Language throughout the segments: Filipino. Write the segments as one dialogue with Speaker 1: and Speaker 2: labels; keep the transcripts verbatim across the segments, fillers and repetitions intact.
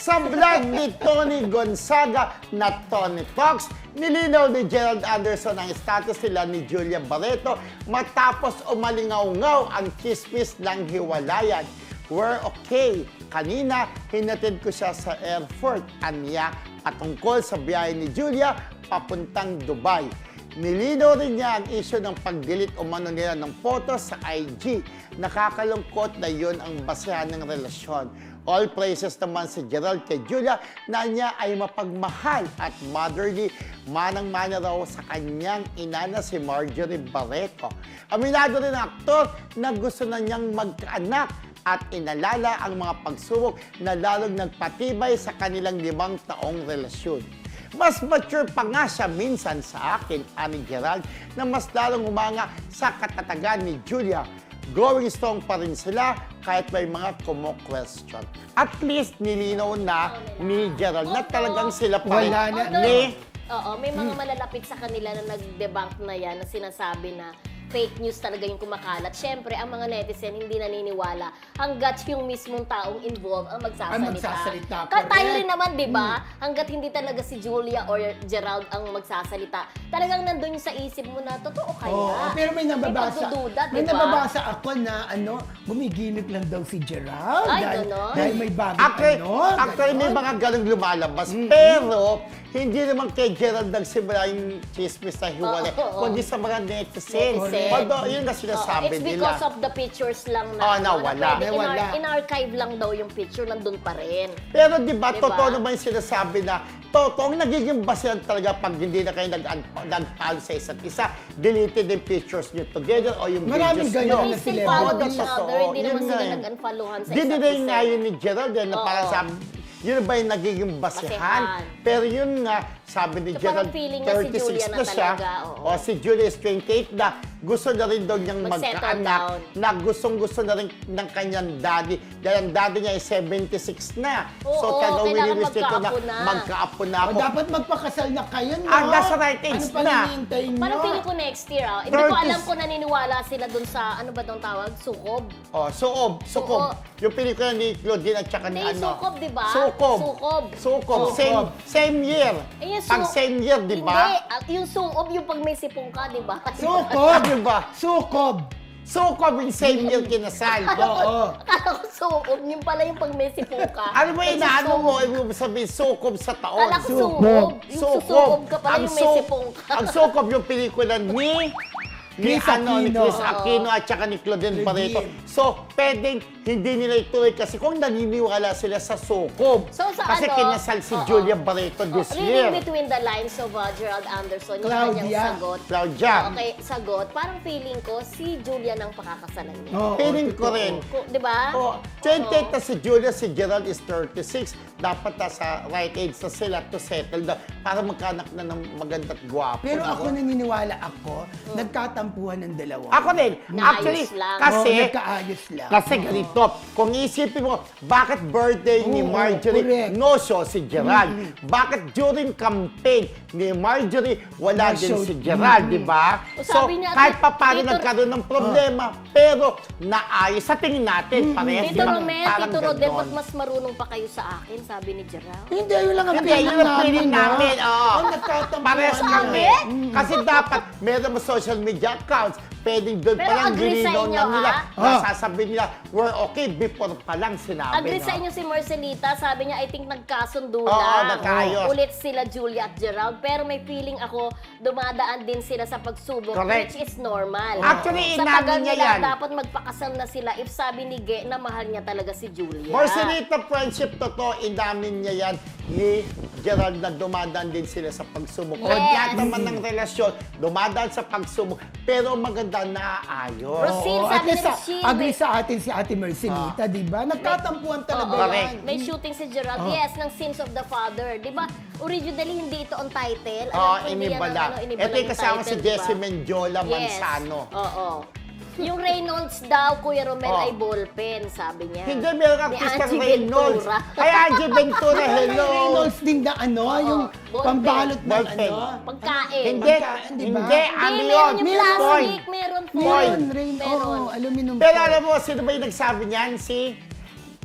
Speaker 1: Sa vlog ni Tony Gonzaga na Tony Talks, nilinaw ni Gerald Anderson ang status nila ni Julia Barreto matapos umalingaw-ngaw ang chismis ng hiwalayan. We're okay. Kanina, hinatid ko siya sa airport. Anya, patungkol sa biyahe ni Julia papuntang Dubai. Nilinaw rin niya ang issue ng pag-delete umano nila ng photos sa I G. Nakakalungkot na yun ang basehan ng relasyon. All praises naman si Gerald kay Julia na niya ay mapagmahal at motherly, manang-mana raw sa kanyang ina na si Marjorie Barreto. Aminado rin ang aktor na gusto na niyang magkaanak at inalala ang mga pagsubok na lalong nagpatibay sa kanilang limang taong relasyon. Mas mature pa nga siya minsan sa akin, ani Gerald, na mas lalong umanga sa katatagan ni Julia. Going strong pa rin sila kahit may mga kumo-question. At least nilinaw na ni Gerald na talagang sila pa rin.
Speaker 2: Wala na.
Speaker 1: Ni,
Speaker 3: Oo, may mga malalapit sa kanila na nag-debunk na yan, na sinasabi na fake news talaga yung kumakalat. Siyempre, ang mga netizen hindi naniniwala hanggat yung mismong taong involved ang magsasalita.
Speaker 2: Ang magsasalita,
Speaker 3: Ka- tayo
Speaker 2: correct.
Speaker 3: rin naman, di ba? Hanggat hindi talaga si Julia or Gerald ang magsasalita, talagang nandun yung sa isip mo na, totoo kaya?
Speaker 2: Oo, pero may nababasa.
Speaker 3: pagdududa,
Speaker 2: May
Speaker 3: di ba?
Speaker 2: nababasa ako na ano, gumigimik lang daw si Gerald.
Speaker 3: Ay,
Speaker 2: dahil,
Speaker 3: ganon?
Speaker 2: dahil may bagong
Speaker 1: actually,
Speaker 2: ano.
Speaker 1: actually may
Speaker 2: ganon.
Speaker 1: mga ganong lumalabas. Pero, hindi naman kay Gerald nagsimula yung chismis na hiwalay,
Speaker 3: Oo, oo.
Speaker 1: kundi sa mga netizen.
Speaker 3: Netizen.
Speaker 1: Although, yun na
Speaker 3: Oo,
Speaker 1: sinasabi
Speaker 3: it's
Speaker 1: nila.
Speaker 3: because of the pictures lang na,
Speaker 1: Oh,
Speaker 3: ano,
Speaker 1: nawala.
Speaker 3: na pwede
Speaker 2: Nawala.
Speaker 3: in- in-archive lang daw yung picture, nandun pa rin.
Speaker 1: Pero di ba,
Speaker 3: Diba?
Speaker 1: totoo naman yung sinasabi na totoong nagiging basehan talaga pag hindi na kayo nag- nag-follow sa isa't isa, deleted yung pictures nyo together o yung
Speaker 2: Maraming
Speaker 1: videos
Speaker 2: ganyan
Speaker 1: nyo.
Speaker 2: na
Speaker 3: They still
Speaker 2: celebrity.
Speaker 3: follow
Speaker 1: Oo,
Speaker 3: each
Speaker 1: totoo.
Speaker 3: other, hindi
Speaker 1: Yun
Speaker 3: naman
Speaker 1: nga
Speaker 3: sila
Speaker 1: eh.
Speaker 3: nag-unfollowan sa
Speaker 1: Hindi
Speaker 3: isa't
Speaker 1: din
Speaker 3: isa.
Speaker 1: nga yun ni Gerald, yan, na
Speaker 3: Oo.
Speaker 1: parang sabi, yun ba yung nagiging basehan?
Speaker 3: Basehan.
Speaker 1: Pero yun nga, sabi ni
Speaker 3: So,
Speaker 1: Gerald,
Speaker 3: parang feeling niya si
Speaker 1: thirty-six
Speaker 3: Julia
Speaker 1: na
Speaker 3: na
Speaker 1: siya,
Speaker 3: talaga, oo.
Speaker 1: o si Julia is twenty-eight na, gusto na rin daw niyang
Speaker 3: Mag-settle
Speaker 1: magkaanak,
Speaker 3: down.
Speaker 1: na gustong-gusto na rin ng kanyang daddy, dahil ang daddy niya ay seventy-six na.
Speaker 3: Oo,
Speaker 1: so, talagang
Speaker 3: kailangan
Speaker 1: winiwish nito na
Speaker 3: magkaapo na.
Speaker 1: magkaapo na
Speaker 2: O,
Speaker 1: ako.
Speaker 2: dapat magpakasal na kayo, no?
Speaker 1: Ah, nasa right age
Speaker 2: ano pa
Speaker 1: na.
Speaker 2: hinihintay nyo?
Speaker 3: Parang feeling ko next year, ah. Hindi ko
Speaker 1: thirties.
Speaker 3: alam kung naniniwala sila dun sa, ano ba itong tawag? Sukob?
Speaker 1: Oh, Suob, Sukob.
Speaker 3: Suob.
Speaker 1: Yung pelikula ni Claudine at saka ni
Speaker 3: Hindi,
Speaker 1: ano.
Speaker 3: Sukob, di ba?
Speaker 1: Sukob.
Speaker 3: Sukob.
Speaker 1: Sukob.
Speaker 2: Sukob.
Speaker 1: Same, same year.
Speaker 3: Eh, yung
Speaker 1: Pag
Speaker 3: su-
Speaker 1: same year, di ba?
Speaker 3: Hindi, ah, yung sukob, yung pag may sipong ka, di ba?
Speaker 2: Sukob!
Speaker 1: Di ba?
Speaker 2: Sukob!
Speaker 1: Sukob yung same year kinasal.
Speaker 2: Oo.
Speaker 3: Akala ko sukob, yung pala yung pag may sipong ka.
Speaker 1: Ano ba
Speaker 3: Yung
Speaker 1: inaano
Speaker 3: susukob.
Speaker 1: mo? Ibig mo sabihin, sukob sa taon.
Speaker 3: Akala ko sukob. Yung susukob ka pala,
Speaker 1: Ang
Speaker 3: yung may
Speaker 1: su-
Speaker 3: sipong ka.
Speaker 1: Ang sukob yung pelikula ni... Ni
Speaker 2: Chris
Speaker 1: ano, ni
Speaker 2: Aquino.
Speaker 1: Chris Aquino at saka ni Claudine Barreto.
Speaker 2: Claudine.
Speaker 1: So, pwedeng hindi nila ituloy kasi kung naniniwala sila sa sukob.
Speaker 3: So, sa
Speaker 1: kasi
Speaker 3: ano,
Speaker 1: kinasal si
Speaker 3: oo.
Speaker 1: Julia Barreto this year.
Speaker 3: Reading between the lines of uh, Gerald Anderson, yung
Speaker 2: Claudia.
Speaker 3: kanyang sagot.
Speaker 1: Claudia.
Speaker 3: Okay, sagot. Parang feeling ko, si Julia nang pakakasalan niya.
Speaker 2: Oo,
Speaker 1: Feeling ko
Speaker 2: totoo.
Speaker 1: rin.
Speaker 3: Ko- Di ba?
Speaker 1: Oh, twenty-eight na si Julia, si Gerald is thirty-six. Dapat nasa right age na sila to settle down para magkanak na ng maganda at gwapo.
Speaker 2: Pero
Speaker 1: na.
Speaker 2: ako naniniwala ako, nagkatampuhan ng dalawa.
Speaker 1: Ako din.
Speaker 3: Naayos
Speaker 1: Actually,
Speaker 3: lang.
Speaker 1: kasi,
Speaker 2: Oo, nagkaayos lang.
Speaker 1: kasi ganito, kung isipin mo, bakit birthday ni
Speaker 2: Oo,
Speaker 1: Marjorie
Speaker 2: correct.
Speaker 1: no show si Gerald? Bakit during campaign ni Marjorie wala
Speaker 2: No
Speaker 1: din
Speaker 2: show.
Speaker 1: si Gerald, di ba?
Speaker 3: O,
Speaker 1: So,
Speaker 3: sabi niya,
Speaker 1: kahit pa paano
Speaker 3: Tito-
Speaker 1: nagkaroon ng problema, pero naayos. Sa tingin natin, parehas, di
Speaker 3: Tito
Speaker 1: ba?
Speaker 3: Romel,
Speaker 1: Parang
Speaker 3: Tito Rodel,
Speaker 1: ganon.
Speaker 3: ba't mas marunong pa kayo sa akin, sabi ni Gerald?
Speaker 2: Hindi, yun lang ang
Speaker 1: Hindi,
Speaker 2: feeling
Speaker 1: yun ang feeling
Speaker 2: namin,
Speaker 1: namin.
Speaker 2: no?
Speaker 1: Oo.
Speaker 2: Ang nagkatampuhan
Speaker 1: Parehas
Speaker 2: na.
Speaker 1: kami. Kasi dapat meron mo social media accounts. Pwedeng doon
Speaker 3: Pero
Speaker 1: pa lang
Speaker 3: agree sa
Speaker 1: gininaw
Speaker 3: inyo,
Speaker 1: na nila.
Speaker 3: ha?
Speaker 1: Na
Speaker 2: Ah.
Speaker 1: sasabihin nila, we're okay before pa lang sinabi.
Speaker 3: Agree
Speaker 1: no?
Speaker 3: sa inyo si Marcelita, sabi niya, I think nagkasundo
Speaker 1: Oo,
Speaker 3: lang.
Speaker 1: nagkaayos.
Speaker 3: Ulit sila Julia at Gerald, pero may feeling ako, dumadaan din sila sa pagsubok,
Speaker 1: Correct.
Speaker 3: which is normal.
Speaker 1: Actually,
Speaker 3: sa
Speaker 1: inamin
Speaker 3: tagal
Speaker 1: niya
Speaker 3: nila,
Speaker 1: yan.
Speaker 3: dapat magpakasal na sila if sabi ni Ge na mahal niya talaga si Julia.
Speaker 1: Marcelita friendship, totoo, inamin niya yan ni Gerald na dumadaan din sila sa pagsubok.
Speaker 3: Yes.
Speaker 1: O lahat naman ng relasyon, dumadaan sa pagsubok, pero maganda na ayos.
Speaker 3: Rosine,
Speaker 2: Oo,
Speaker 3: sabi
Speaker 2: at least
Speaker 3: ni
Speaker 2: sa,
Speaker 3: Rosine,
Speaker 2: agree
Speaker 3: may-
Speaker 2: sa atin si Ate Mercenita, di ba? Nagkatampuhan talaga
Speaker 3: Oo,
Speaker 1: Correct.
Speaker 2: yan.
Speaker 3: may shooting si Gerald, yes, ng Sins of the Father. Di ba, originally hindi ito on title. Alam
Speaker 1: Oo,
Speaker 3: ko, hindi yan ang,
Speaker 1: inibala.
Speaker 3: ano, inibala
Speaker 1: Ito yung kasama si
Speaker 3: title, di ba?
Speaker 1: Jessie Mendiola
Speaker 3: Yes.
Speaker 1: Manzano.
Speaker 3: Oo. Yung Reynolds daw, Kuya Romel,
Speaker 1: Oh.
Speaker 3: ay ballpen, sabi niya.
Speaker 1: Hindi, meron kang
Speaker 3: Ni
Speaker 1: Christian
Speaker 3: Angie
Speaker 1: Reynolds.
Speaker 3: Ventura.
Speaker 1: Ay, Angie Ventura, hello.
Speaker 2: Reynolds din na ano, yung
Speaker 3: ballpen.
Speaker 2: pambalot ng
Speaker 1: Ballpen.
Speaker 2: ano.
Speaker 3: Pagkain.
Speaker 1: Hindi,
Speaker 2: Pagkain, di ba?
Speaker 1: hindi,
Speaker 3: Hindi,
Speaker 1: ano
Speaker 3: meron
Speaker 1: yun?
Speaker 3: yung
Speaker 2: Meron.
Speaker 3: plastic, meron foil.
Speaker 2: Meron, Rain,
Speaker 3: Meron.
Speaker 2: oo, aluminum
Speaker 1: Pero
Speaker 2: foil.
Speaker 1: alam mo, sino ba yung nagsabi niyan? Si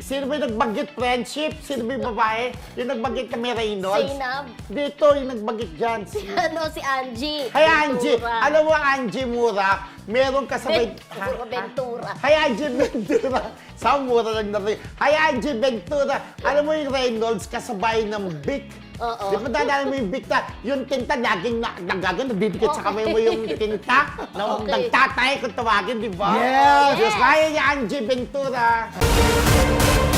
Speaker 1: Sino ba yung nagbanggit friendship? Sino ba yung babae? Yung nagbanggit na may Reynolds?
Speaker 3: Zainab.
Speaker 1: Dito, yung nagbanggit dyan.
Speaker 3: Si ano, si Angie.
Speaker 1: Hay Angie!
Speaker 3: Ventura.
Speaker 1: Alam mo, Angie Mura, meron kasabay...
Speaker 3: Ventura, Ventura.
Speaker 1: Hay Angie Ventura! Sa mura lang na rin. Hay Angie Ventura! Alam mo yung Reynolds, kasabay ng Vic.
Speaker 3: Oo.
Speaker 1: Di ba dadala mo yung Vic na, yung tinta laging na, nagagan, nabibigit sa kamay mo yung tinta. Na,
Speaker 3: Okay.
Speaker 1: Nagtatay kung tawagin, di ba?
Speaker 2: Yes!
Speaker 1: Yes! Kaya ni Angie Ventura.